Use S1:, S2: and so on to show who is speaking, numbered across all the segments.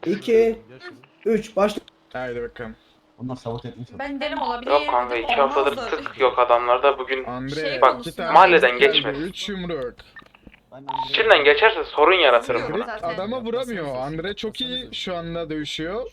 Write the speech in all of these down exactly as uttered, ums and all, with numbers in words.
S1: iki, üç. Başla.
S2: Haydi bakalım.
S3: Onlar sabot etmiş.
S4: Ben derim olabilir.
S5: Yok kanka iki haftadır tık yok adamlarda bugün.
S2: Andre
S4: Şey
S5: bak
S4: konusunda-
S5: mahalleden
S2: geldi,
S5: geçmez.
S2: üç yumruk.
S5: İçinden geçerse sorun yaratırım
S4: Biliyorum
S5: buna.
S4: zaten.
S2: Adama vuramıyor. Andre çok iyi şu anda dövüşüyor.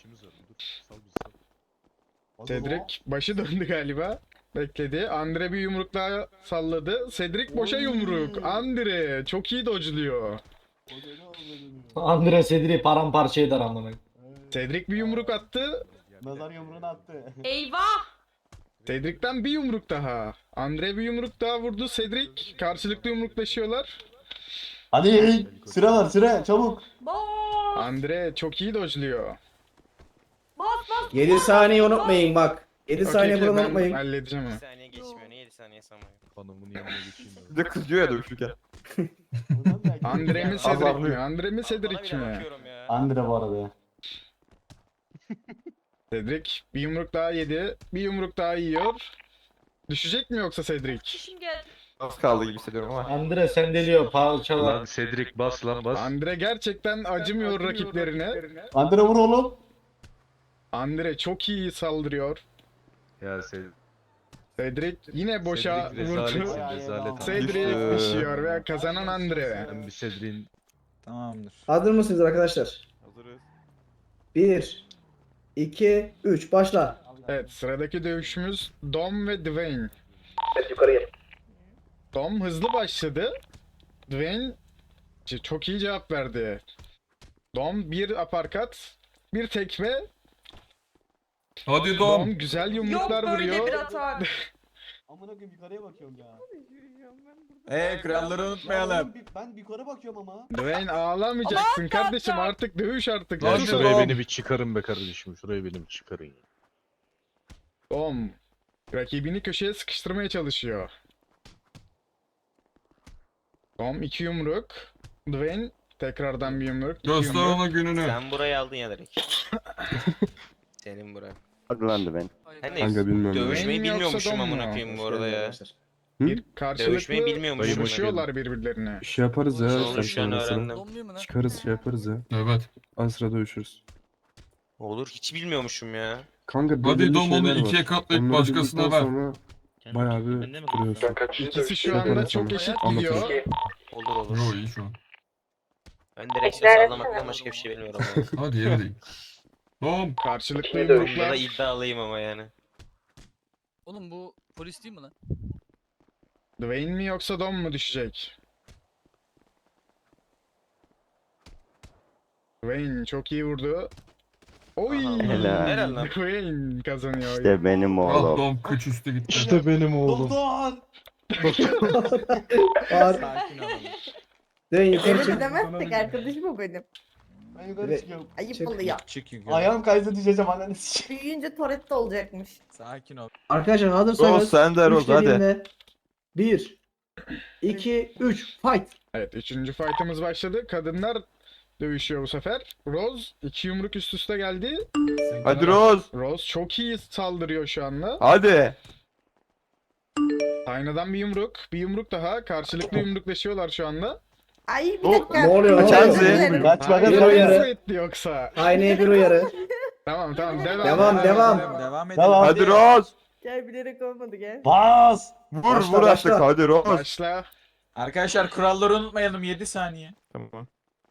S2: Cedric başı döndü galiba. Bekledi. Andre bir yumruk daha salladı. Cedric boşa yumruk. Andre çok iyi dodge'luyor.
S3: Andre Sedri paramparça eder amına.
S2: Cedric bir yumruk attı.
S3: Nazar yumruğunu attı.
S4: Eyvah!
S2: Cedric'ten bir yumruk daha. Andre bir yumruk daha vurdu. Cedric karşılıklı yumruklaşıyorlar.
S3: Hadi sıra var sıra çabuk.
S4: Bas!
S2: Andre çok iyi dodge'luyor.
S4: Bas bas!
S1: yedi saniye unutmayın bak. yedi
S2: Okey,
S1: saniye
S2: okey,
S1: bunu
S2: ben
S1: unutmayın.
S2: halledeceğim
S6: Bir
S2: onu.
S6: saniye geçmiyor. Niye yedi saniye sanmıyor?
S7: Hanımın yanına geçeyim.
S8: Bir de kızıyor ya dövüşürken.
S2: Andre mi Cedric mi?
S8: Azarlıyor.
S2: Andre mi
S6: Bana
S2: Cedric
S6: bile
S2: mi?
S6: bakıyorum ya.
S3: Andre bu arada ya.
S2: Cedric bir yumruk daha yedi. Bir yumruk daha yiyor. Düşecek mi yoksa Cedric?
S4: Kişim geldi.
S8: Az kaldı gibi hissediyorum ama.
S3: Andre sen deliyor parçalar.
S7: Lan Cedric bas lan bas.
S2: Andre gerçekten acımıyor rakiplerine.
S3: Andre vur oğlum.
S2: Andre çok iyi saldırıyor.
S7: Ya Cedric.
S2: Cedric yine boşa
S7: Cedric
S2: vurdu.
S7: rezaletsin rezalet.
S2: Cedric
S8: Düştü.
S2: düşüyor ve kazanan Andre.
S7: Ben bir Cedric'in
S8: Tamamdır.
S1: Hazır mısınız arkadaşlar?
S8: Hazırız.
S1: bir, iki, üç. Başla.
S2: Evet, sıradaki dövüşümüz Dom ve Dwayne.
S1: Evet, yukarıya.
S2: Dom hızlı başladı. Dwayne c- çok iyi cevap verdi. Dom bir aparkat, bir tekme.
S9: Hadi
S2: Dom
S9: Dom.
S2: güzel
S4: Yok
S2: yumruklar
S4: böyle bir
S2: vuruyor.
S4: hata.
S3: Amına koyayım yukarıya bakıyorum ya.
S9: Eee kralları unutmayalım.
S3: Ben yukarı bakıyorum ama.
S2: Dwayne ağlamayacaksın kardeşim, artık dövüş artık.
S9: Lan
S7: Ya
S2: Dövüş.
S9: şu-
S7: şuraya
S9: Dom.
S7: beni bir çıkarın be kardeşim. Şuraya beni bir çıkarın ya.
S2: Dom rakibini köşeye sıkıştırmaya çalışıyor. Dom iki yumruk. Dwayne tekrardan bir yumruk. iki
S9: Göster
S2: yumruk.
S9: ona gününü.
S6: Sen burayı aldın ya direkt. Senin bura.
S10: Aklandı ben.
S6: Sen de
S10: Kanka bilmiyorum.
S6: dövüşmeyi
S2: Dwayne mi yoksa
S6: bilmiyormuşum
S2: Dom
S6: amına
S2: mu?
S6: koyayım bu arada ya.
S2: Bir karşılıklı
S6: Dövüşmeyi bilmiyormuşum.
S2: vuruşuyorlar birbirlerine.
S10: Bir şey yaparız ya.
S6: Sonra
S10: sen
S6: şu an
S10: sonrasını.
S6: öğrendim.
S10: Çıkarız şey yaparız ya.
S9: Evet.
S10: Az sıra dövüşürüz.
S6: Olur hiç bilmiyormuşum ya.
S10: Kanka
S9: Hadi
S10: belirli
S9: Dom onu
S10: şeyler var.
S9: ikiye katlayıp
S10: Onları
S9: başkasına
S10: bildikten
S9: ver.
S10: sonra bayağı bir kuruyorsun.
S2: İkisi şu anda
S10: Yaparız
S2: çok
S10: sonra.
S2: eşit
S10: Anlatırım.
S2: gidiyor.
S6: Olur olur.
S9: Yo iyi şu an.
S6: Ben direksiyon sallamaktan başka bir şey bilmiyorum. ama.
S9: Hadi yeri değil. Dom.
S2: Karşılıklı
S6: Bunda da
S2: yumruklar.
S6: iddialıyım ama yani.
S11: Oğlum bu polis değil mi lan?
S2: Dwayne mi yoksa Dom mu düşecek? Dwayne çok iyi vurdu. Oy!
S6: Aha.
S10: Helal.
S6: Helal lan.
S2: Dwayne kazanıyor.
S10: İşte benim
S9: Ah
S10: oğlum.
S9: Dom kıç üstü gitti.
S7: İşte benim oğlum.
S3: Doktor.
S1: Var. Dön yukarı
S12: Öyle
S1: çık.
S12: demezsek arkadaşım o benim.
S3: Ben yukarı
S1: Evet.
S3: çıkıyorum.
S12: Ayıp
S1: Çık.
S12: oluyor.
S3: Ayağım kaydı düşeceğim ananı sikeyim.
S12: Büyüyünce Toretto olacakmış.
S9: Sakin ol.
S1: Arkadaşlar
S8: Roz
S1: hazırsanız.
S8: sen de Roz hadi.
S1: bir, iki, üç. Fight.
S2: Evet, üçüncü fight'ımız başladı. Kadınlar dövüşüyor bu sefer. Rose iki yumruk üst üste geldi.
S8: Hadi Roz.
S2: Rose çok iyi saldırıyor şu anda.
S8: Hadi.
S2: Aynıdan bir yumruk, bir yumruk daha. Karşılıklı yumruklaşıyorlar şu anda.
S12: Ay bir
S8: Oh,
S12: dakika.
S1: ne oluyor, ne
S12: Özür
S8: oluyor?
S12: dilerim.
S3: Kaç
S2: Hayır,
S1: Bir
S3: bakalım.
S1: uyarı.
S2: nasıl etti yoksa?
S1: Aynaya bir uyarı.
S2: Tamam tamam devam.
S1: Devam, devam.
S9: Devam edin.
S3: Tamam.
S8: Hadi Roz.
S12: Gel bilerek olmadı gel.
S3: Bas.
S8: Vur
S1: Başla,
S8: vur artık
S1: başla.
S8: hadi Roz.
S2: Başla.
S9: Arkadaşlar kuralları unutmayalım yedi saniye.
S8: Tamam.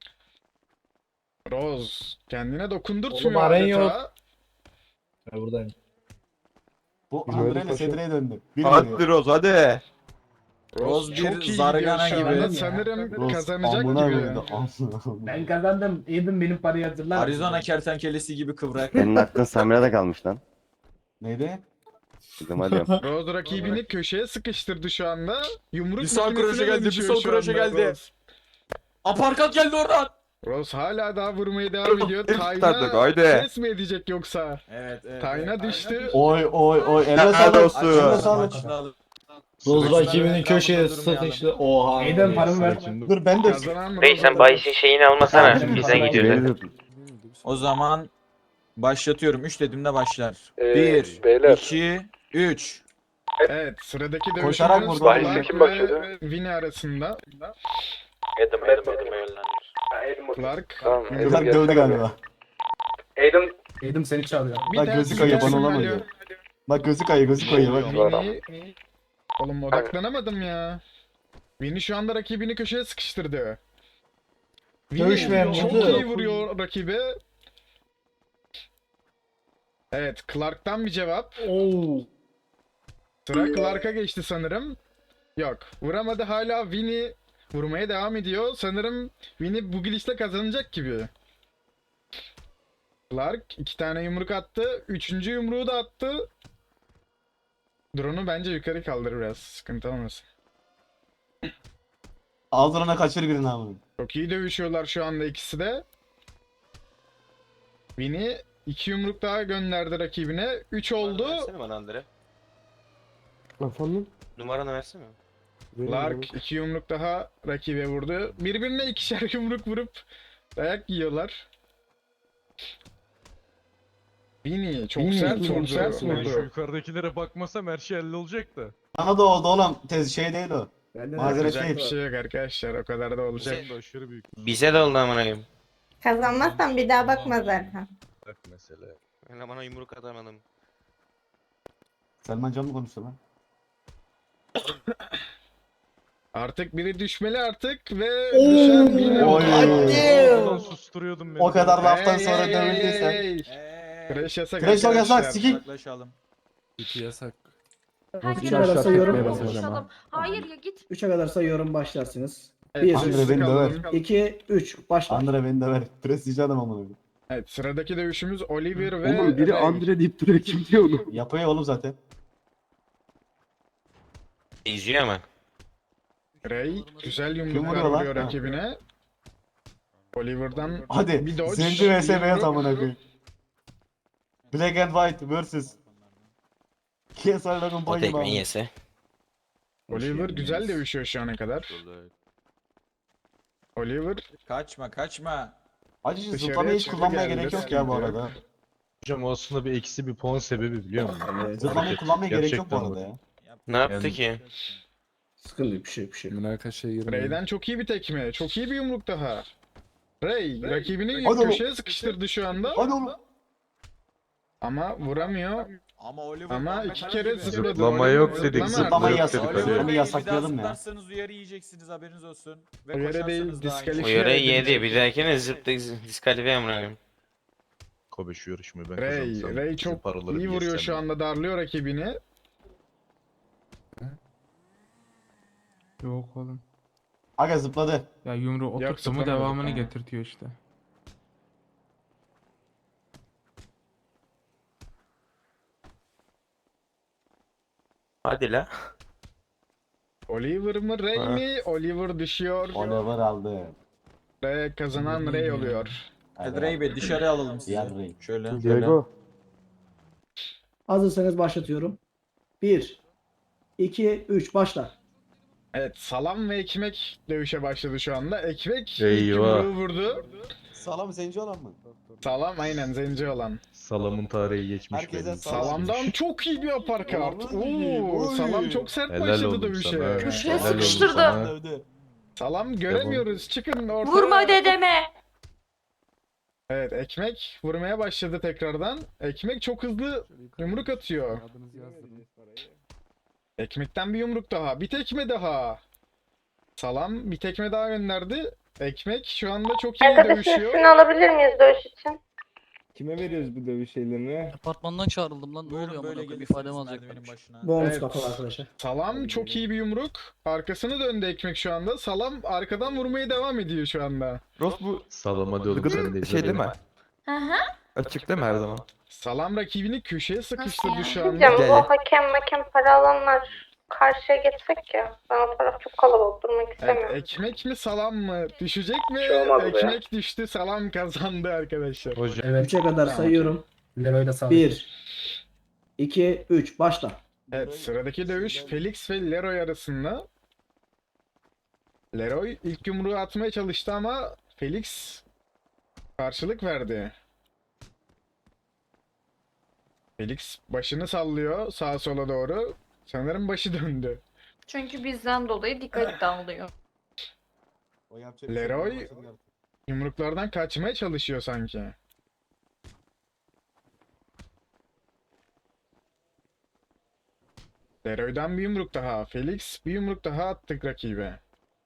S2: Rose kendine dokundurtmuyor
S3: Oğlum, aren
S2: adeta.
S3: yok. Ben buradayım. Bu
S10: Güzel
S3: Andre ile
S10: paşa.
S3: Sedri'ye döndü. Bir
S8: Hadi Roz hadi.
S2: Rose
S9: bir
S2: çok iyi
S9: zargana
S2: gidiyor şu
S9: gibi.
S2: anda. Sanırım
S3: Roz,
S2: kazanacak
S3: amına
S2: gibi.
S3: koydu, amına koydu.
S13: Ben kazandım. Edin benim parayı hazırlar.
S9: Arizona kertenkelesi gibi kıvrak.
S10: Senin aklın Samira'da kalmış lan.
S3: Neydi?
S10: Dedim hadi yap.
S2: Rose rakibini köşeye sıkıştırdı şu anda. Yumruk
S9: Bir sağ
S2: makinesine
S9: kroşe geldi, bir
S2: dönüşüyor
S9: sol
S2: şu
S9: kroşe
S2: anda
S9: geldi.
S2: Rose.
S9: Aparkat geldi oradan.
S2: Rose hala daha vurmaya devam ediyor.
S8: Hep tutardık,
S2: Tayna
S8: haydi.
S2: ses mi edecek yoksa?
S9: Evet evet.
S2: Tayna düştü.
S3: Oy oy oy. Eline
S8: Helal
S3: sağlık.
S8: olsun.
S3: Eline sağlık. Roz rakibinin köşeye sıkıştı. Oha.
S13: Neyden paramı ver.
S3: Dur ben de.
S2: Kazanan
S6: Bey
S2: Rose
S6: sen
S2: oldu.
S6: bayisin şeyini almasana. Bizden gidiyorlar.
S10: Veriyordum.
S9: O zaman başlatıyorum. üç dediğimde başlar.
S8: Ee,
S9: bir,
S8: beyler.
S9: iki, üç.
S2: Evet, sıradaki
S3: Koşarak
S2: dövüşümüz
S3: vurdu.
S2: Clark
S8: Kim
S2: ve
S8: başladı?
S2: Winnie arasında.
S6: Adam Adam Adam'a yollanır.
S2: Clark
S8: Tamam.
S3: Kızlar dövdü galiba.
S13: Eğdim seni çağırıyor.
S2: Bir
S3: Bak
S2: tane
S3: gözü kayıyor bana
S2: isim
S3: olamıyor.
S2: geliyor.
S3: Bak gözü kayıyor gözü kayıyor bak.
S2: Vini... Oğlum odaklanamadım ya. Vini şu anda rakibini köşeye sıkıştırdı. Vini
S3: Dövüşmeyen
S2: çok
S3: vurdu.
S2: iyi vuruyor rakibe. Evet, Clark'tan bir cevap.
S3: Oo.
S2: Sıra Clark'a geçti sanırım. Yok, vuramadı, hala Vini vurmaya devam ediyor. Sanırım Vini bu gidişle kazanacak gibi. Clark iki tane yumruk attı. Üçüncü yumruğu da attı. Drone'u bence yukarı kaldır biraz. Sıkıntı olmasın.
S3: Aldırana kaçır birini abi.
S2: Çok iyi dövüşüyorlar şu anda ikisi de. Vini iki yumruk daha gönderdi rakibine. Üç oldu.
S6: Versene bana Andre.
S10: Efendim?
S6: Numaranı versene.
S2: Clark iki yumruk daha rakibe vurdu. Birbirine ikişer yumruk vurup dayak yiyorlar. Vini çok sert vurdu.
S7: Ben şu yukarıdakilere bakmasam her şey hallolacak da.
S3: Bana da oldu oğlum. Tez şey değil o.
S1: Bende
S3: Mazeret
S1: de
S2: Yapacak bir
S3: değil.
S2: şey yok arkadaşlar. O kadar da olacak.
S7: Sen de aşırı büyük
S6: Bize de oldu amına koyayım.
S12: Kazanmazsan bir daha bakma zaten.
S7: bak mesele.
S6: Ben bana yumruk atamadım.
S3: Selman Can mı konuştu lan?
S2: Artık biri düşmeli artık ve düşen Vini.
S3: Oy.
S7: Oradan susturuyordum beni.
S3: O kadar laftan
S2: Hey,
S3: sonra
S2: hey,
S3: dövüldüysen.
S2: hey, hey.
S9: Eee.
S2: Crash yasak
S3: Crash yasak,
S2: arkadaşlar.
S3: sikik.
S9: Yaklaşalım.
S10: İki yasak.
S4: Herkes
S1: Üç arası sayıyorum.
S4: konuşalım. Hayır ya git.
S1: üçe kadar sayıyorum başlarsınız.
S2: Evet,
S1: Bir,
S3: Andre
S2: sessiz
S3: beni
S2: kalın.
S3: döver.
S1: iki, üç. Başla.
S3: Andre beni de ver. Prestijli adam amına koyayım.
S2: Evet, sıradaki dövüşümüz Oliver ve
S10: Oğlum biri
S2: Ray.
S10: Andre deyip duruyor, kim diyor onu?
S3: Yapıyor oğlum zaten.
S6: İzliyor ama.
S2: Ray güzel
S3: Kim
S2: yumruklar
S3: vuruyor lan?
S2: vuruyor
S3: Ha.
S2: rakibine. Oliver'dan
S3: Hadi.
S2: bir dodge.
S3: Zenci vs
S2: bir
S3: beyaz
S2: yumruk.
S3: amına koyayım. Black and White versus. K S I Logan
S6: O
S3: Paul
S6: tekmeyi yese.
S2: Oliver güzel dövüşüyor şu ana kadar. Oliver
S9: Kaçma kaçma.
S3: Acı
S2: Dışarıya
S3: zıplamayı hiç
S2: çıktı
S3: kullanmaya
S2: geldi,
S3: gerek yok ya bu
S2: sıkıntı
S3: arada.
S7: Hocam o aslında bir eksi bir puan sebebi biliyor musun?
S1: Evet.
S3: Zıplamayı kullanmaya gerek yok bu
S7: Gerçekten
S3: arada
S7: bak.
S3: ya.
S6: Ne yaptı
S7: Yani-
S6: ki?
S1: Sıkıntı yok, bir şey yok, bir şey yok.
S10: Münakaşaya girmeyin.
S2: Ray'den çok iyi bir tekme. Çok iyi bir yumruk daha. Ray rakibini
S3: Hadi oğlum.
S2: köşeye sıkıştırdı şu anda.
S3: Hadi oğlum.
S2: Ama vuramıyor.
S9: Ama Oliver
S2: Ama
S9: Kahve
S2: iki
S9: karar
S2: kere
S9: gibi.
S2: zıpladı.
S7: Zıplama
S2: Oliver
S7: yok dedik,
S2: zıplama
S3: Zıplamayı
S2: artık.
S3: yasak-
S9: Oliver
S3: Onu
S9: Bey'i
S3: yasaklayalım
S9: bir daha
S3: ya.
S9: zıplarsanız uyarı yiyeceksiniz haberiniz olsun. Ve
S2: Uyarı değil,
S9: koşarsanız daha iyi.
S2: diskalifiye.
S6: O yöreyi
S2: edildi.
S6: yedi. Bir dahakine zıptı diskalifiye amına koyayım.
S7: Kobe şu yarışmayı ben
S2: Ray,
S7: kazansam.
S2: Ray
S7: bizim
S2: çok
S7: paraları
S2: iyi
S7: bir
S2: vuruyor
S7: yesem
S2: şu
S7: ya.
S2: anda, darlıyor rakibini.
S10: Yok oğlum.
S3: Aga zıpladı.
S10: Ya yumruğu
S2: Yok,
S10: oturttu mu
S2: zıplamadı
S10: devamını
S2: tamam.
S10: getirtiyor işte.
S6: Hadi la.
S2: Oliver mı Ray
S6: Ha.
S2: mi? Oliver düşüyor.
S3: Oliver aldı.
S2: Ve kazanan Ray oluyor.
S9: Hadi Ray Bey dışarı alalım sizi.
S3: Diğer Ray.
S9: Şöyle.
S10: Diego.
S1: Hazırsanız başlatıyorum. bir, iki, üç. Başla.
S2: Evet, salam ve ekmek dövüşe başladı şu anda. Ekmek ilk
S7: Eyvah.
S2: yumruğu vurdu.
S3: Salam zenci olan mı?
S2: Salam aynen zenci olan.
S7: Salamın tarihi geçmiş
S3: Herkese
S7: benim.
S3: salam.
S2: Salamdan çok iyi bir aparkat. Oo,
S3: Oy.
S2: salam çok sert
S7: Helal
S2: başladı
S7: oğlum
S2: dövüşe.
S7: sana.
S4: Köşeye
S7: Helal olsun
S4: sıkıştırdı.
S7: sana.
S3: Dövdü.
S2: Salam göremiyoruz. Çıkın ortaya.
S4: Vurma dedeme.
S2: Evet, ekmek vurmaya başladı tekrardan. Ekmek çok hızlı yumruk atıyor.
S10: Adınızı yazdırın.
S2: Ekmekten bir yumruk daha. Bir tekme daha. Salam bir tekme daha gönderdi. Ekmek şu anda çok iyi dövüşüyor.
S12: alabilir miyiz dövüş için?
S10: Kime veriyoruz bu dövüş şeylerini?
S11: Apartmandan çağrıldım lan. Ne
S9: Buyurun
S11: oluyor
S9: böyle
S11: amına koyayım?
S9: gelirsiniz
S11: İfademi alacaklar.
S9: merdivenin başına.
S1: Bonus
S2: Evet.
S1: kafalı arkadaşlar.
S2: Salam çok iyi bir yumruk. Arkasını döndü ekmek şu anda. Salam arkadan vurmaya devam ediyor şu anda.
S8: Ross bu
S7: Salam hadi oğlum sen de izle
S8: şey değil
S7: beni.
S8: mi?
S4: Hı hı.
S8: Açık değil mi her zaman?
S2: Salam rakibini köşeye sıkıştırdı
S4: yani?
S2: şu anda.
S8: Gel, gel.
S12: hakem hakem para alanlar karşıya geçsek ya. Ben o taraf çok kalabalık durmak
S2: Evet, ekmek mi salam mı? Düşecek mi?
S1: şey olmaz be.
S2: Ekmek düştü, salam kazandı arkadaşlar.
S7: Hocam
S13: Evet.
S1: üçe kadar sayıyorum.
S13: Leroy da sağ.
S1: bir, iki, üç. Başla.
S2: Evet, sıradaki dövüş Felix ve Leroy arasında. Leroy ilk yumruğu atmaya çalıştı ama Felix karşılık verdi. Felix başını sallıyor sağa sola doğru. Sanırım başı döndü.
S4: Çünkü bizden dolayı dikkat dağılıyor.
S3: O yapacak bir şey
S2: Leroy-
S3: yok.
S2: Yumruklardan kaçmaya çalışıyor sanki. Leroy'dan bir yumruk daha. Felix bir yumruk daha attık rakibe.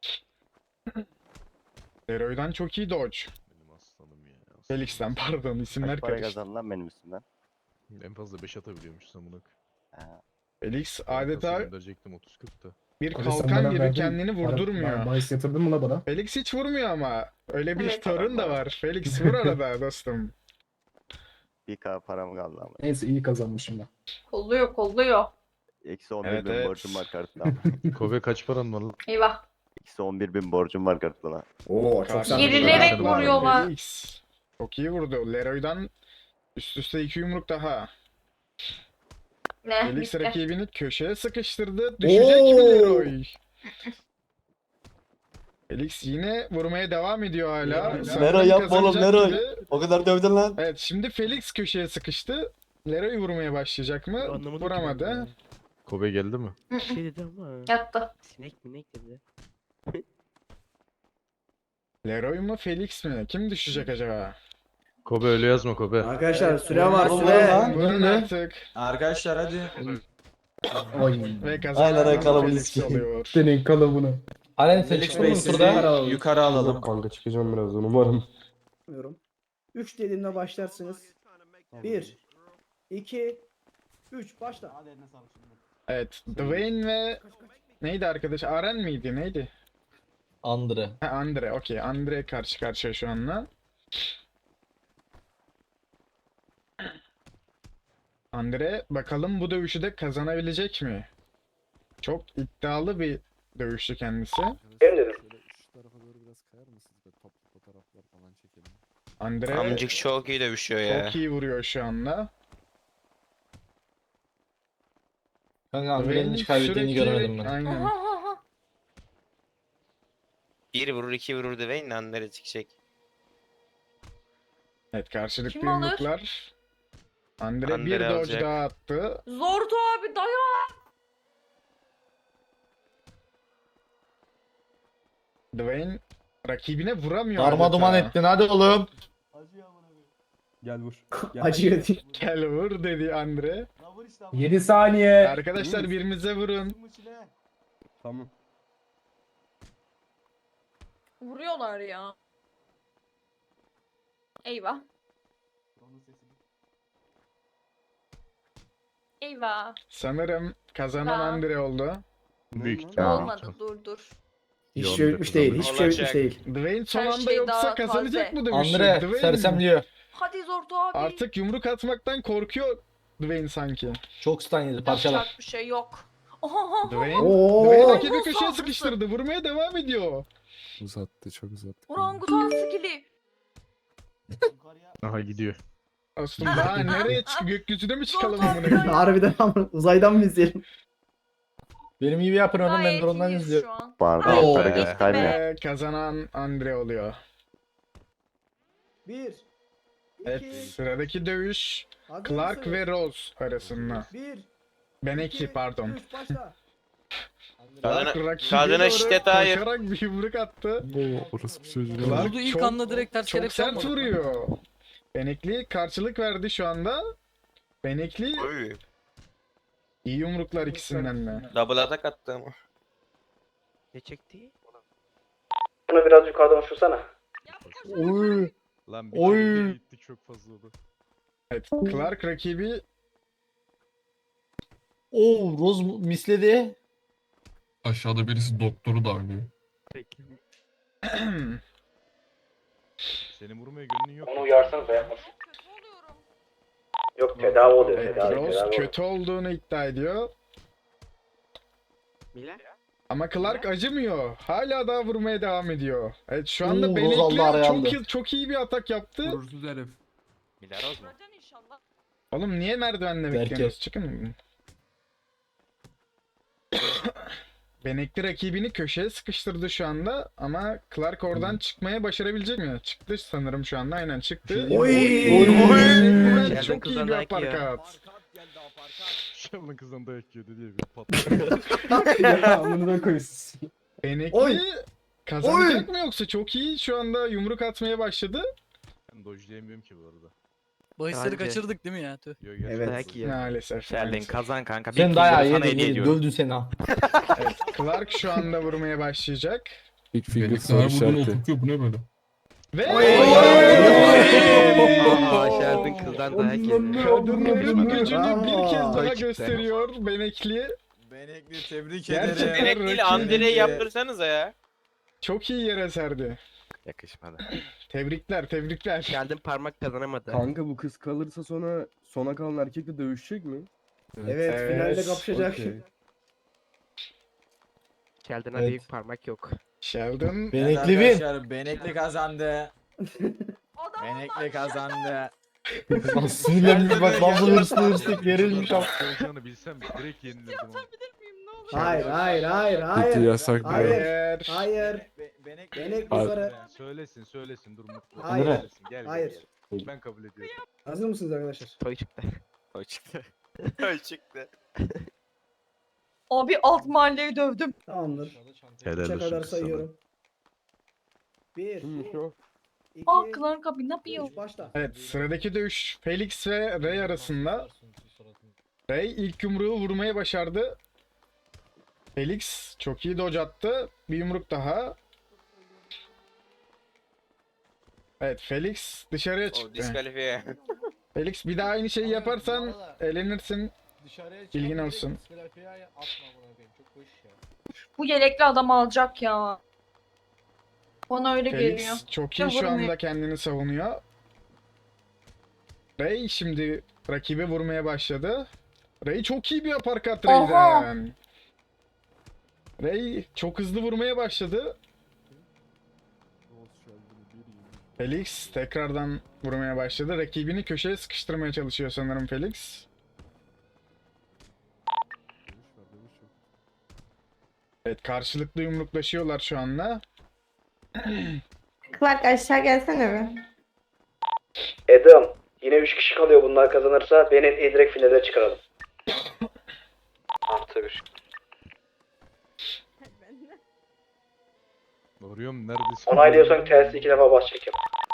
S2: Leroy'dan çok iyi dodge.
S7: Benim aslanım ya. aslanım.
S2: Felix'ten pardon isimler karıştı.
S3: lan benim üstümden?
S7: En fazla beş atabiliyormuş amına.
S2: Felix adeta
S7: gönderecektim otuz kırk da.
S2: bir
S13: Abi sen
S2: kalkan
S13: bana
S2: gibi
S13: verdin,
S2: kendini
S13: para-
S2: vurdurmuyor.
S13: Bahis yatırdın mı la bana?
S2: Felix hiç vurmuyor ama. Öyle bir
S12: Evet,
S2: sorun da
S12: adam
S2: var. Felix vur arada dostum.
S3: bir K param kaldı ama.
S13: Neyse iyi kazanmışım ben.
S4: Kolluyor kolluyor.
S3: Eksi on
S2: Evet,
S3: bin
S2: evet.
S3: borcum var kartına.
S7: Kobe kaç paran var lan?
S4: Eyvah.
S3: Eksi on bir bin borcum var kartına.
S13: Oo çok
S2: Karşıda
S4: Gerilerek
S2: Felix var.
S4: vuruyorlar.
S2: Felix. Çok iyi vurdu. Leroy'dan üst üste iki yumruk daha.
S4: Ne?
S2: Felix
S4: Bitti.
S2: rakibini köşeye sıkıştırdı. Düşecek mi Leroy? Felix yine vurmaya devam ediyor hala. Sanırım
S3: Leroy yapma oğlum,
S2: kazanacak
S3: Leroy.
S2: gibi.
S3: O kadar dövdün lan.
S2: Evet şimdi Felix köşeye sıkıştı. Leroy vurmaya başlayacak mı? Vuramadı.
S7: Kobe geldi mi?
S6: Bir şey dedi ama.
S4: Yattı.
S6: Sinek minek dedi.
S2: Leroy mu Felix mi? Kim düşecek acaba?
S7: Kobe öyle yazma Kobe.
S1: Arkadaşlar süre
S3: Vurun
S1: var
S3: lan,
S1: süre.
S3: lan.
S2: Vurun artık.
S9: Arkadaşlar hadi.
S13: Oy.
S2: Ve kazanan
S3: Aynen,
S2: Felix
S3: kalabalığız ki.
S2: oluyor.
S13: Senin kalıbını. Alen
S9: Felix Bey sizi yukarı alalım.
S10: Kanka çıkacağım birazdan umarım.
S1: üç dediğimde başlarsınız. bir, iki, üç başla.
S2: Evet. Dwayne ve neydi arkadaş? Aren miydi? Neydi?
S9: Andre.
S2: Ha, Andre. Okey. Andre karşı karşıya şu anla. Andre bakalım bu dövüşü de kazanabilecek mi? Çok iddialı bir dövüşçü kendisi. Andre
S6: Amcık çok iyi dövüşüyor ya.
S2: çok iyi vuruyor şu anda.
S9: Kanka
S2: Andre'nin hiç kaybettiğini görmedim ben. Aynen.
S4: Aha, aha.
S6: Bir vurur iki vurur Dwayne Andere çıkacak.
S2: Evet karşılıklı
S4: Kim alır?
S2: yumruklar. Andre,
S6: Andre
S2: bir dodge
S6: alacak.
S2: daha attı.
S4: Zordu abi dayan.
S2: Dwayne rakibine vuramıyor.
S9: Darma
S2: adeta.
S9: duman ettin hadi oğlum.
S10: Gel vur.
S1: Acıyor diye.
S2: Gel vur dedi Andre.
S13: yedi saniye.
S2: Arkadaşlar birbirinize vurun.
S10: Tamam.
S4: Vuruyorlar ya. Eyvah. Eyvah.
S2: Sanırım kazanan
S4: Tamam.
S2: Andre oldu.
S7: Büyük ihtimal.
S4: Olmadı dur dur.
S1: Hiçbir şey bitmiş değil. Hiçbir şey bitmiş
S6: Olacak.
S1: değil.
S2: Dwayne son
S4: Her
S2: anda
S4: şey
S2: yoksa
S4: daha
S2: kazanacak
S4: taze.
S2: mı dövüşü?
S9: Andre
S2: Dwayne
S9: sersemliyor.
S4: Hadi Zordu abi.
S2: artık yumruk atmaktan korkuyor Dwayne sanki.
S9: Çok stun yedi
S4: Yapacak bir şey yok. Oha.
S2: Dwayne,
S1: Oo.
S2: Dwayne rakibi
S4: Nasıl
S2: köşeye
S4: saldırısı?
S2: sıkıştırdı. Vurmaya devam ediyor.
S10: Uzattı çok uzattı.
S4: Orangutan skili.
S7: Aha gidiyor.
S2: Aslında daha nereye çık gökyüzüne mi çıkalım
S4: Zor
S2: amına koyayım?
S1: Harbiden ama uzaydan mı izleyelim?
S9: Benim gibi yapın oğlum ben
S4: Gayet
S9: drone'dan
S4: iyiyiz
S9: izliyorum.
S4: şu an.
S3: Pardon,
S4: Ay,
S3: para
S6: be.
S3: göz kaymıyor.
S2: Ve kazanan Andre oluyor.
S1: bir,
S2: Evet
S1: iki,
S2: sıradaki dövüş
S1: hazır
S2: Clark
S1: mısınız?
S2: ve Rose arasında.
S1: bir,
S2: Beneki
S1: iki,
S2: pardon.
S1: üç başla.
S2: Clark
S6: Kadına,
S2: rakibe
S6: kadına
S2: doğru
S6: şiddet hayır.
S2: koşarak bir yumruk attı.
S10: Bu orası bir çocuğu.
S2: Clark
S11: Vurdu ilk
S2: çok-
S11: anda direkt ters
S2: Çok
S11: kelepçe
S2: sert
S11: yapmadı.
S2: vuruyor. Benekli karşılık verdi şu anda. Benekli
S6: Oy.
S2: iyi yumruklar ikisinden de.
S6: Double atak attı ama. Ne çekti?
S1: Bunu biraz yukarıdan uçursana.
S9: Oy.
S7: Lan bir
S9: Oy.
S7: kere gittik çok fazla oldu.
S2: Evet Clark rakibi
S9: Oo Rose misledi.
S10: Aşağıda birisi doktoru darlıyor.
S7: Seni vurmaya gönlün yok.
S1: Onu uyarsanız da yapmasın.
S4: Oluyorum.
S1: Yok tedavi oluyor
S2: evet,
S1: tedavi.
S2: Rose
S1: tedavi oluyor.
S2: kötü olduğunu iddia ediyor.
S6: Mila?
S2: Ama Clark acımıyor. Hala daha vurmaya devam ediyor. Evet şu anda
S9: Oo, Rose aldı,
S2: Benekli
S9: araya
S2: çok
S9: aldı.
S2: iyi, çok iyi bir atak yaptı.
S10: Vurursuz herif.
S6: Mila Rose mu?
S4: Göreceksin inşallah.
S2: Oğlum niye merdivenle
S9: Berke.
S2: bekliyorsunuz? Çıkın. Benekli rakibini köşeye sıkıştırdı şu anda ama Clark oradan çıkmaya başarabilecek mi? Çıktı sanırım şu anda aynen çıktı.
S1: Oy!
S2: Benekli'den
S6: Geldi
S2: çok iyi
S6: kızdan
S2: bir
S6: dayak yiyor.
S2: aparkat.
S7: Şam'ın kızdan dayak yiyordu diye bir patladı.
S13: Ya bunu da koysun.
S2: Benekli
S1: Oy!
S2: kazanacak mı yoksa çok iyi şu anda yumruk atmaya başladı.
S7: Ben dojlayamıyorum ki bu arada.
S11: Bahisleri
S6: Bence.
S11: kaçırdık değil mi ya? Tüh.
S7: Yo, gerçekten.
S1: Evet.
S6: Dayak yiyor.
S2: Maalesef.
S6: Sheldon
S2: maalesef.
S6: kazan kanka.
S13: Sen
S6: Bir
S13: dayağı
S6: killleri sana
S13: yedin
S6: hediye
S13: yedin.
S6: ediyorum.
S13: Dövdü seni ha.
S2: Evet, Clark şu anda vurmaya başlayacak.
S10: Big finger Felix soru her buradan
S8: şey
S10: oturtuyor işareti. bu ne böyle?
S2: Ve
S6: Aa Sheldon kızdan dayak yedi.
S2: kadınların gücünü
S1: Bravo.
S2: bir kez daha
S6: Çıktı.
S2: gösteriyor Benekli.
S9: Benekli tebrik
S2: Gerçekten
S9: ederim.
S6: Benek değil
S2: rakibi-
S6: Andre'yi yaptırsanıza ya.
S2: Çok iyi yere serdi.
S6: Yakışmadı.
S2: Tebrikler, tebrikler.
S6: Sheldon parmak kazanamadı.
S10: Kanka bu kız kalırsa sonra sona kalan erkekle dövüşecek mi?
S1: Evet,
S2: Evet.
S1: finalde kapışacak.
S10: Okey.
S6: Sheldon'a
S13: Evet.
S6: büyük parmak yok.
S2: Sheldon
S9: Evet
S13: Benekli win.
S9: arkadaşlar, Benekli kazandı.
S4: Adam
S9: Benekli kazandı.
S13: Lan sinirlenmiş bak lan bunu hırslı hırslı gerilmiş ama.
S7: Olacağını bilsem direkt yenilirdim ama.
S4: atabilir miyim ne olur?
S1: Hayır, hayır, hayır,
S10: Bitti
S1: hayır.
S10: yasak
S1: Hayır.
S10: bile.
S2: Hayır.
S1: Hayır.
S9: Be- Benekli.
S1: Benek
S10: Hayır.
S1: yukarı.
S7: Söylesin söylesin dur mutlu.
S1: Hayır.
S7: Söylesin, Gel, gel,
S1: Hayır.
S7: gel. Ben kabul ediyorum.
S1: Hazır mısınız arkadaşlar?
S6: Toy çıktı. Toy çıktı. Toy çıktı.
S4: Abi alt mahalleyi dövdüm.
S1: Tamamdır.
S7: Helal
S1: Üçe
S7: olsun
S1: kadar
S7: kız sana.
S1: sayıyorum. Bir,
S10: Şu.
S1: iki,
S4: Aa Clark abi ne yapıyor?
S1: üç, başla.
S2: Evet, sıradaki dövüş Felix ve Ray arasında. Ray ilk yumruğu vurmayı başardı. Felix çok iyi dodge attı. Bir yumruk daha. Evet, Felix dışarıya
S6: O
S2: çıktı.
S6: diskalifiye.
S2: Felix bir daha aynı şeyi yaparsan elenirsin. Bilgin olsun.
S4: Bu yelekli adam alacak ya. Bana öyle geliyor.
S2: Felix çok iyi şu
S4: Vurmuyor.
S2: anda kendini savunuyor. Ray şimdi rakibi vurmaya başladı. Ray çok iyi bir uppercut
S4: Oha!
S2: Ray'den. Ray çok hızlı vurmaya başladı. Felix tekrardan vurmaya başladı. Rakibini köşeye sıkıştırmaya çalışıyor sanırım Felix. Evet, karşılıklı yumruklaşıyorlar şu anda.
S12: Clark aşağı gelsene bir.
S1: Adam. Yine üç kişi kalıyor bunlar kazanırsa. Beni direkt finale çıkaralım.
S5: Artı bir.
S7: Arıyorum neredesin?
S1: Onaylıyorsan tersi iki defa bas çekim.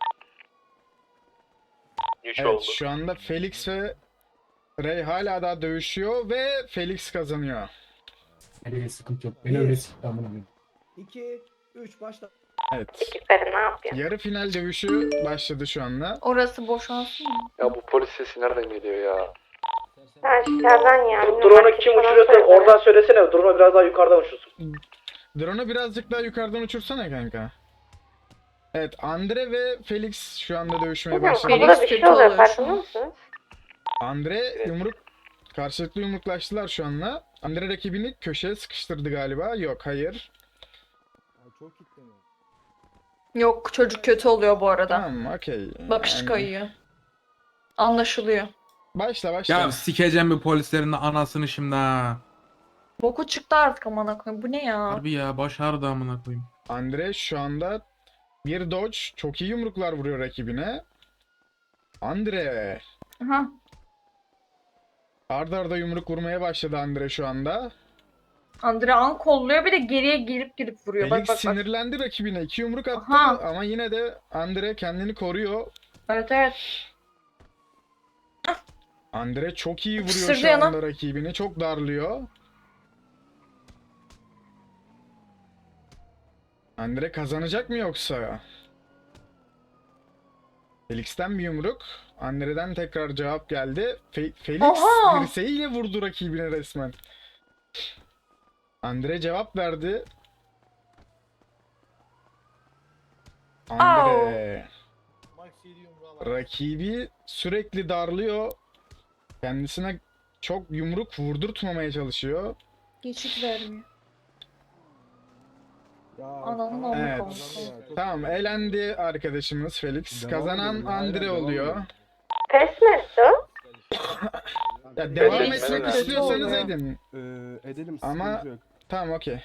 S5: üç
S2: Evet,
S5: oldu.
S2: şu anda Felix ve Ray hala daha dövüşüyor ve Felix kazanıyor.
S13: Öyle sıkıntı yok. Beni öyle sıkıntı amına koyayım.
S1: iki, üç, başla.
S2: Evet.
S12: Ekipleri ne yapıyor?
S2: Yarı final dövüşü başladı şu anda.
S4: Orası boşalsın mı?
S5: Ya bu polis sesi nereden geliyor ya?
S12: Aşağıdan yani.
S1: Drone'u kim uçuruyorsa oradan söylesene. Drone'u biraz daha yukarıdan uçursun.
S2: Drone'u birazcık daha yukarıdan uçursana kanka. Evet, Andre ve Felix şu anda dövüşmeye
S12: Hocam
S2: başladı.
S12: kapıda bir
S4: kötü
S12: şey oluyor
S4: oluyor şu
S12: farkında
S4: an.
S12: mısınız?
S2: Andre yumruk karşılıklı yumruklaştılar şu anda. Andre rakibini köşeye sıkıştırdı galiba. Yok, hayır.
S8: Çok kitleniyor.
S4: Yok çocuk kötü oluyor bu arada.
S2: Tamam, okey.
S4: Bakış
S2: Yani-
S4: kayıyor. Anlaşılıyor.
S2: Başla başla.
S13: sikeceğim bir polislerin de anasını şimdi ha.
S4: Boku çıktı artık amına koyayım. Bu ne ya?
S13: Harbi ya başardı amına koyayım.
S2: Andre şu anda bir dodge, çok iyi yumruklar vuruyor rakibine. Andre.
S4: Aha.
S2: Arda arda yumruk vurmaya başladı Andre şu anda.
S4: Andre an kolluyor bir de geriye girip girip vuruyor.
S2: Felix
S4: Bak bak bak.
S2: sinirlendi rakibine. İki yumruk attı
S4: Aha.
S2: ama yine de Andre kendini koruyor.
S4: Evet evet.
S2: Andre çok iyi vuruyor
S4: Isırdı
S2: şu
S4: yana.
S2: anda rakibini. Çok darlıyor. Andre kazanacak mı yoksa? Felix'ten bir yumruk. Andre'den tekrar cevap geldi. Fe- Felix
S4: Oha!
S2: dirseğiyle vurdu rakibine resmen. Andre cevap verdi. Andre rakibi sürekli darlıyor. Kendisine çok yumruk vurdurtmamaya çalışıyor.
S4: Geçit vermiyor.
S8: Ya,
S4: Ananın
S8: tamam,
S2: Evet.
S4: amı
S8: kazandı ya, çok
S2: Tamam,
S8: iyi.
S2: elendi arkadaşımız Felix.
S10: Devam
S2: Kazanan
S10: edelim, aynen,
S2: Andre
S10: devam
S2: oluyor.
S10: edelim.
S12: Pes mi etti o?
S2: Ya devam
S5: Felix
S2: etmek
S5: kötü
S2: istiyorsanız
S4: oluyor.
S2: edin.
S10: Ee, edelim
S2: Ama-
S10: sıkıntı yok.
S2: Tamam, okey.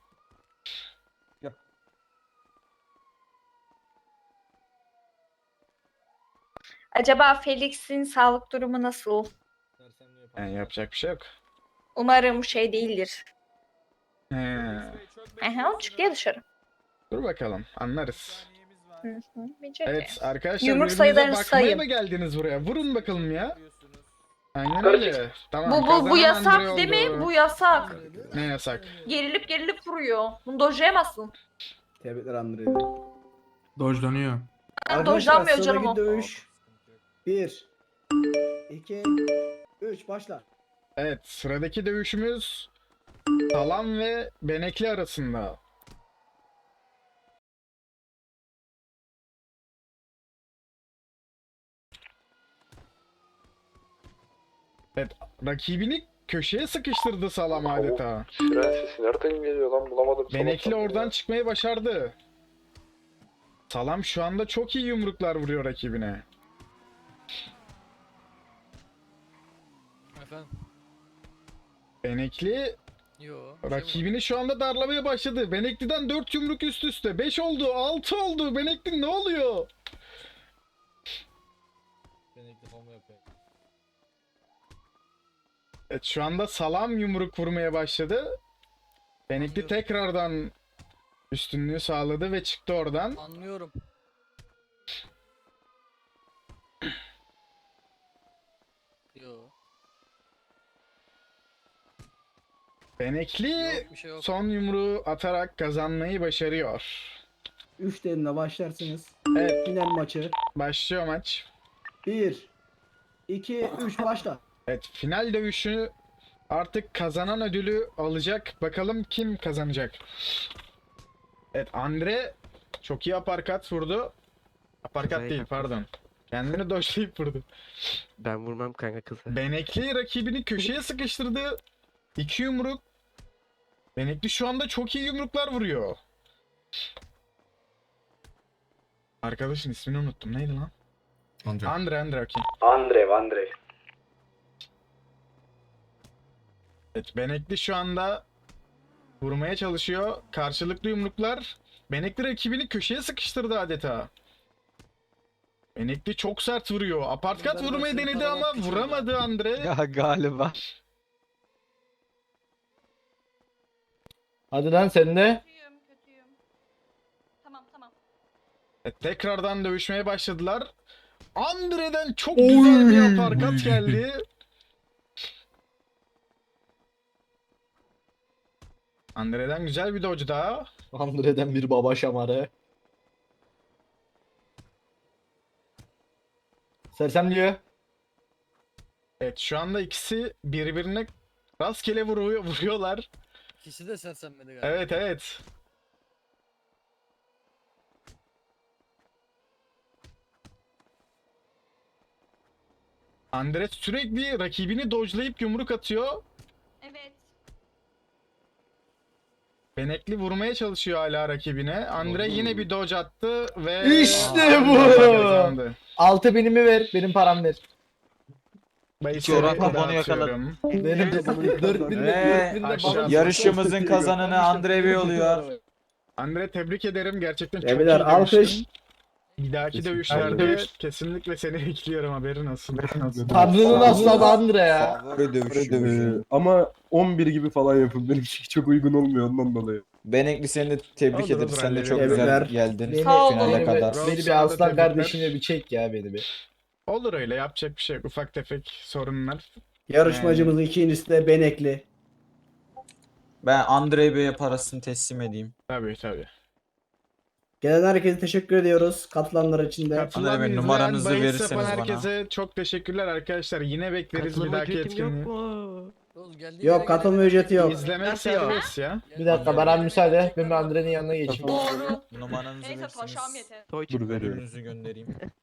S4: Acaba Felix'in sağlık durumu nasıl?
S2: Yani yapacak bir şey yok.
S4: Umarım şey değildir.
S2: He.
S4: Aha çıktı ya dışarı.
S2: Dur bakalım, anlarız.
S4: Hı hı. Bence de.
S2: Evet arkadaşlar
S4: Yumruk
S2: birbirinize
S4: sayılarını
S2: bakmaya
S4: sayın.
S2: mı geldiniz buraya? Vurun bakalım ya. Aynen
S1: Karışık.
S2: öyle. Tamam.
S4: Bu bu bu
S2: kazanan Andre
S4: yasak değil mi?
S2: oldu.
S4: Bu yasak.
S2: Ne yasak?
S4: Gerilip gerilip vuruyor. Bunu dojlayamazsın.
S8: Tebrikler Andre.
S13: Dojlanıyor.
S4: Yani dojlanmıyor canım o.
S8: dövüş. bir, iki, üç başla.
S2: Evet sıradaki dövüşümüz Salam ve Benekli arasında. Evet rakibini köşeye sıkıştırdı Salam adeta.
S5: Siren sesi nereden geliyor lan bulamadım.
S2: Benekli
S5: sabahtan
S2: oradan
S5: beri.
S2: çıkmayı başardı. Salam şu anda çok iyi yumruklar vuruyor rakibine.
S11: Efendim?
S2: Benekli
S11: Yo. bir şey mi var?
S2: rakibini şu anda darlamaya başladı. Benekli'den dört yumruk üst üste. beş oldu, altı oldu. Benekli ne oluyor? Evet şu anda Salam yumruk vurmaya başladı. Benekli
S11: Anlıyorum.
S2: tekrardan üstünlüğü sağladı ve çıktı oradan.
S11: Anlıyorum. Yo.
S2: Benekli
S11: Yok bir şey yok.
S2: son yumruğu atarak kazanmayı başarıyor.
S8: üç derimle başlarsınız.
S2: Evet
S8: Final maçı.
S2: başlıyor maç.
S8: bir, iki, üç başla.
S2: Evet final dövüşü artık kazanan ödülü alacak. Bakalım kim kazanacak. Evet Andre çok iyi aparkat vurdu. Aparkat değil pardon. Kendini doşlayıp vurdu.
S6: Ben vurmam kanka kızı.
S2: Benekli rakibini köşeye sıkıştırdı. İki yumruk. Benekli şu anda çok iyi yumruklar vuruyor. Arkadaşın ismini unuttum. Neydi lan?
S13: Andre.
S2: Andre Andre okey.
S1: Andrev, Andrev.
S2: Evet Benekli şu anda vurmaya çalışıyor. Karşılıklı yumruklar. Benekli rakibini köşeye sıkıştırdı adeta. Benekli çok sert vuruyor. Apartkat
S11: Bunlar
S2: vurmayı
S11: başını
S2: denedi ama
S11: tararak geçiyor
S2: vuramadı Andre.
S6: Ya galiba.
S13: Hadi lan sen de.
S4: Kötüyüm, kötüyüm. Tamam, tamam.
S2: Evet, tekrardan dövüşmeye başladılar. Andre'den çok güzel bir aparkat geldi. Andre'den güzel bir dodge daha.
S13: Andre'den bir baba şamarı. Sersemliyor.
S2: Evet şu anda ikisi birbirine rastgele vuruyor, vuruyorlar.
S11: İkisi de sersemledi galiba.
S2: Evet evet. Andre sürekli rakibini dodge'layıp yumruk atıyor.
S4: Evet.
S2: Benekli vurmaya çalışıyor hala rakibine. Andre yine bir dodge attı ve
S13: İşte
S2: Aa,
S13: bu!
S2: kazandı.
S13: Altı binimi ver. Benim param ver.
S2: Bayısları
S9: Çorak kafanı
S2: dağıtıyorum.
S13: Benim de dört bin
S9: Ve
S13: de bana
S2: aşağı-
S9: yarışımızın kazananı Andre Bey oluyor.
S2: Andre tebrik ederim. Gerçekten çok
S8: Tebrikler,
S2: iyi
S8: alkış.
S2: dövüştün. Bir dahaki
S10: Kesinlikle.
S2: dövüşlerde
S13: Alkış.
S2: kesinlikle seni bekliyorum haberin olsun.
S13: Tanrı'nın aslanı Andre ya.
S3: Favori dövüşü.
S10: Ee, ama on bir gibi falan yapın. Benim için çok uygun olmuyor ondan dolayı.
S9: Benekli seni de tebrik
S2: Olur,
S9: ederim.
S2: olur,
S9: Sen de çok
S8: Tebrikler.
S9: güzel geldin
S13: Beni,
S4: Sağ olun.
S9: finale
S13: beni,
S9: kadar.
S13: beni bir
S2: Sana da
S13: aslan
S2: tebrikler.
S13: kardeşine bir çek ya beni bir.
S2: Olur öyle yapacak bir şey yok. Ufak tefek sorunlar.
S8: Yarışmacımızın ikincisi de Benekli.
S9: Ben Andre Bey'e parasını teslim edeyim.
S2: Tabii tabii.
S8: Gelen herkese teşekkür ediyoruz. Katılanlar için de.
S2: Katılan,
S9: Andre Bey,
S2: izleyen,
S9: numaranızı
S2: bahis
S9: verirseniz
S2: yapan
S9: bana.
S2: herkese çok teşekkürler arkadaşlar. Yine bekleriz bir dahaki etkinliği.
S11: Oğlum geldiği
S8: Yok
S11: yere
S8: katılma
S11: gelelim.
S8: ücreti yok.
S2: İzlemek serbest ya.
S13: Bir dakika bana müsaade. Ben bir Andre'nin yanına geçeyim.
S4: Doğru.
S9: Numaranızı
S4: Neyse taşağım
S9: verirseniz
S4: yeter.
S10: Dur veriyorum.
S9: ödülünüzü göndereyim.